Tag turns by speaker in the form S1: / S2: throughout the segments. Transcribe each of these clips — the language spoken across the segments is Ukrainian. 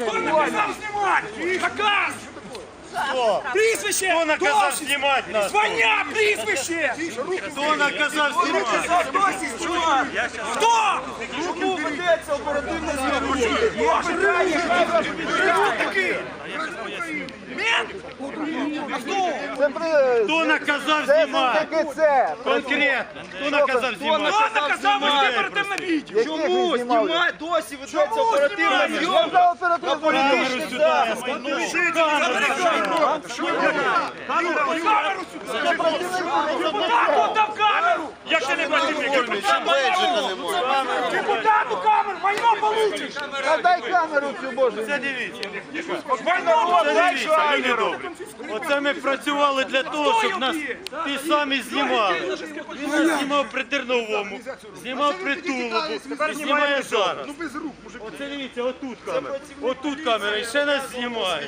S1: Хто наказав знімати? Наказ! Прізвище!
S2: Хто наказав знімати нас?
S1: Звання, прізвище!
S2: Хто наказав знімати?
S1: Хто?
S3: Чому ведеться оперативна зйомка?
S1: Хто такий? Мент? А хто?
S2: Хто наказав знімати? Конкретно. Хто наказав знімати?
S1: Хто наказав вести оперативне відео?
S3: Чому знімає? Досі ведеться оперативна зйомка на політичних засобах.
S1: Камеру сюди! Депутату дав камеру!
S2: Як ти не бачиш?
S1: Депутату камеру! Майно получиш!
S3: Дай камеру цю, Боже.
S2: Це дивіться.
S1: Майно
S2: Це
S1: получиш!
S2: дивіться, люди добрі. Оце ми працювали для того, щоб нас ті самі знімали. Він нас знімав при Терновому, знімав при Тулубу і знімає зараз. Оце дивіться, отут камера. Отут камера і ще нас знімає.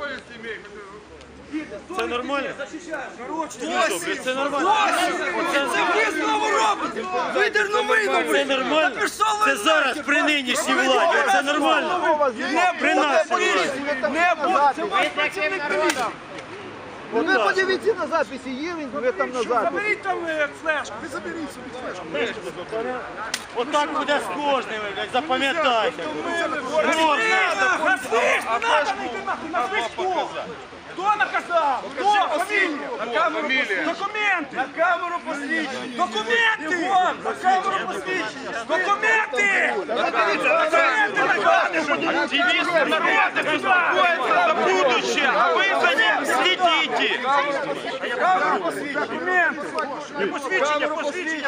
S2: Це нормально? Добре, це нормально.
S1: Це ви знову робите! Ви терновий!
S2: Це нормально? Це зараз при нинішній владі. Це нормально? При нас.
S3: Не буде. Це ваш працівник міліції. Ви подивіться на записі, є він, ви там на записі.
S1: Заберіть там флешку! Ви заберіть собі флешку!
S2: Отак буде з кожним, запам'ятайте. Можна.
S1: Флешку! Надо не йти нахуй! Назви хто! Хто наказав? Хто? Фамілія! Документи!
S3: На камеру посвідчення.
S1: Документи!
S3: На камеру посвідчення.
S1: Документи! Документи наказують!
S2: Активисты народа беспокоятся за будущее, а вы за ним следите.
S1: Документи! Посвідчення, посвідчення!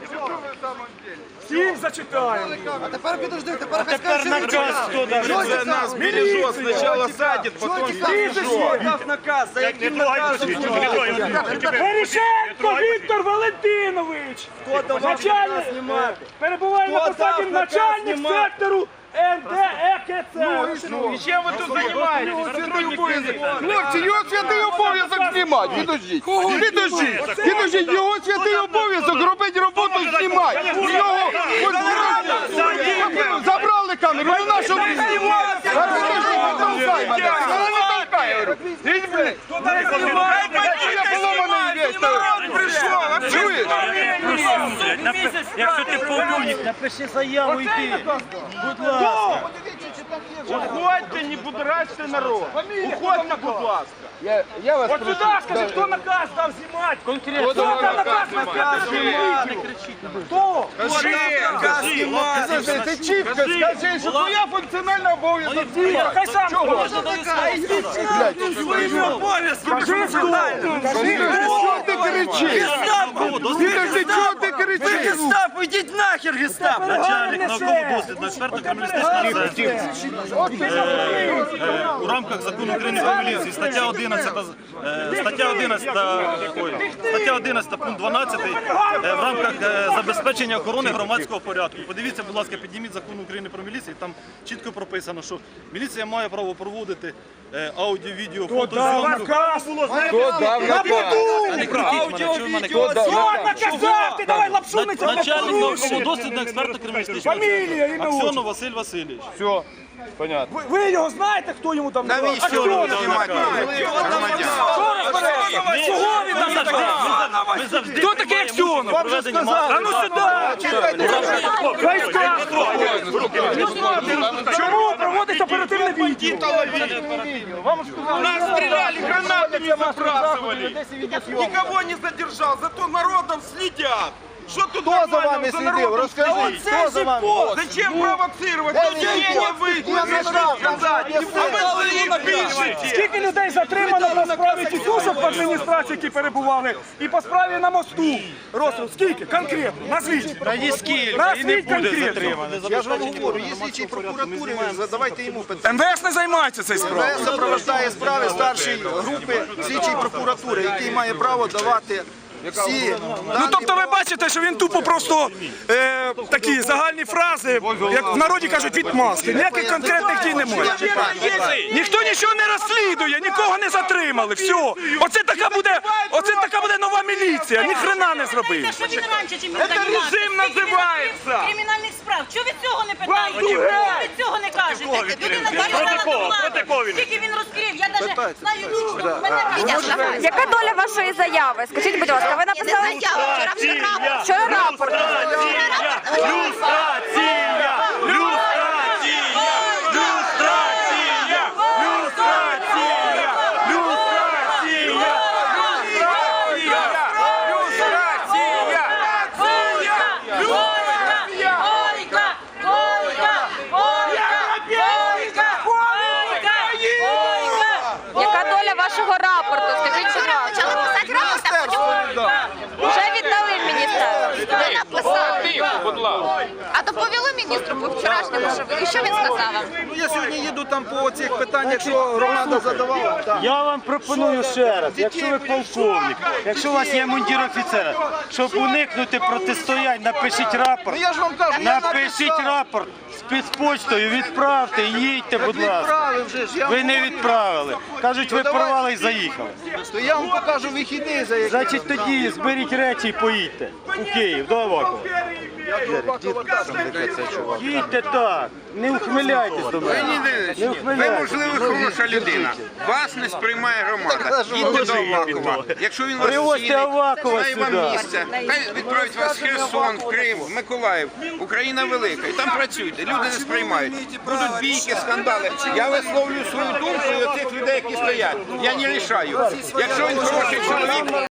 S1: Всім зачитаємо!
S3: А тепер підожди, тепер
S2: Тепер наказ хто дає?
S4: Нас бережет, сначала садит, потом
S3: Хто дав наказ? За яким наказом?
S1: Верещенко Віктор Валентинович!
S3: Хто давав наказ знімати?
S1: Перебуває на
S3: Хто
S1: посаді
S3: дав наказ
S1: начальник
S3: знімати?
S1: сектору НДЕКЦ.
S4: И чем вы тут занимаетесь?
S5: Хлопці, його святий обов'язок знімати. Підождіть. Підождіть, його святий обов'язок робити роботу знімати. Його забрали камеру, ну на що ви знімаєте?
S2: Якщо ти полковник, напиши заяву йди. Будь ласка.
S4: Уходьте, не будоражьте народ. Уходьте, будь ласка.
S5: Я вас
S1: От сюди скажи, хто наказ дав знімати?
S2: Конкретно.
S1: Хто дав наказ знімати? Хто?
S5: Ти чітко скажи, що твоя функціональна обов'язок знімати.
S1: Хай сам
S5: Чого?
S1: своїми обов'язками. Кажи,
S5: Що ти кричиш? Підожди, чого ти кричиш?
S3: Гестапо, йдіть нахер, гестапо!
S2: Начальник науково-дослідного експертно-криміналістичного центру. У рамках закону України про міліцію стаття 11 пункт 12 в рамках забезпечення охорони громадського порядку. Подивіться, будь ласка, підніміть закон України про міліцію, там чітко прописано, що міліція має право проводити аудіо, відео, фотозйомку.
S5: Хто дав наказ?
S1: Хто наказав? Ти давай лапшу на цьому
S2: Начальник
S1: порушиш.
S2: науково-дослідного експертно-криміналістичного
S1: Фамілія, ім'я,
S2: Аксьонов
S1: отчество.
S2: Василь Васильович.
S5: Все, понятно.
S1: Ви його знаєте, хто йому там наказ? А хто
S2: Чого
S1: наказ? Чого він там наказ?
S2: Ми завжди
S1: Хто такий Аксьонов?
S2: проведення
S1: А ну сюди! Хай скаже. Чому проводить оперативне відео?
S4: Нас стреляли, гранатами забрасывали. Никого не задержал, зато народом следят. Что тут
S5: Хто за
S4: нормально
S5: вами
S4: за
S5: слідив?
S4: народом
S5: Розкажіть, хто за вами?
S4: Зачем провоцировать? Людей не выйти, не сказать. А вы стоим, пишете.
S1: Скільки людей затримано по справі тітушок в адміністрації, які перебували, і по справі на мосту? Розстріл, скільки? Конкретно, назвіть.
S2: Та ні скільки, і не
S1: Назвіть
S2: буде
S1: конкретно.
S2: затримано.
S3: Я ж вам говорю, є слідчий прокуратури, задавайте йому питання.
S1: МВС не займається цією справою.
S3: МВС супроводжує справи старшої групи слідчої прокуратури, який має право давати всі
S1: Ну тобто ви бачите, що він тупо просто такі загальні фрази, як в народі кажуть, відмазки. Ніяких конкретних дій немає. Ніхто нічого не розслідує, нікого не затримали. Все. Оце така буде нова міліція. Ні хрена не зробив.
S6: Що він раніше, чим він
S4: Это режим называется.
S6: кримінальних справ? Чого ви цього не питаєте?
S1: Бандюги!
S6: Чого ви цього не кажете?
S2: кого відкрив? Проти кого? Проти кого він?
S6: Тільки він розкрив, я навіть знаю лічно. Мене
S7: Яка доля вашої заяви? Скажіть, будь ласка, ви написали вчора рапорт. Яка доля вашого рапорту? Скажіть, будь ласка.
S8: Почали писати рапорт, а потім
S7: Вже віддали в міністерство.
S8: ви написали. А доповіли міністру по вчорашньому, що він сказав вам?
S3: Ну я сьогодні їду там по цих питаннях, що громада задавала. Так.
S2: Я вам пропоную ще раз, якщо ви полковник, якщо у вас є мундір офіцера, щоб уникнути протистоянь, напишіть рапорт.
S3: Ну я ж вам кажу, я
S2: Напишіть
S3: написав.
S2: рапорт спецпочтою, відправте, їдьте, будь ласка.
S3: Відправив вже ж, я
S2: Ви
S3: вам
S2: не
S3: говорю.
S2: відправили. Кажуть, ви
S3: давай.
S2: порвали і заїхали.
S3: То я вам покажу вихідний, за які.
S2: Значить, тоді зберіть речі і поїдьте у Київ, до Авакова. Їдьте так, не ухмиляйтесь до мене. Не
S9: Ви,
S2: ухмиляйтесь.
S9: можливо, хороша людина. Вас не сприймає громада. Їдьте до Авакова. Якщо він вас
S2: Привозьте
S9: цінить,
S2: Авакова
S9: знає вам
S2: сюди.
S9: місце. Хай відправить вас в Херсон, в Крим, в Миколаїв. Україна велика. І там працюйте. Люди не сприймають. Будуть бійки, скандали. Я висловлюю свою думку і оцих людей, які стоять. Я не рішаю. Якщо він хороший чоловік,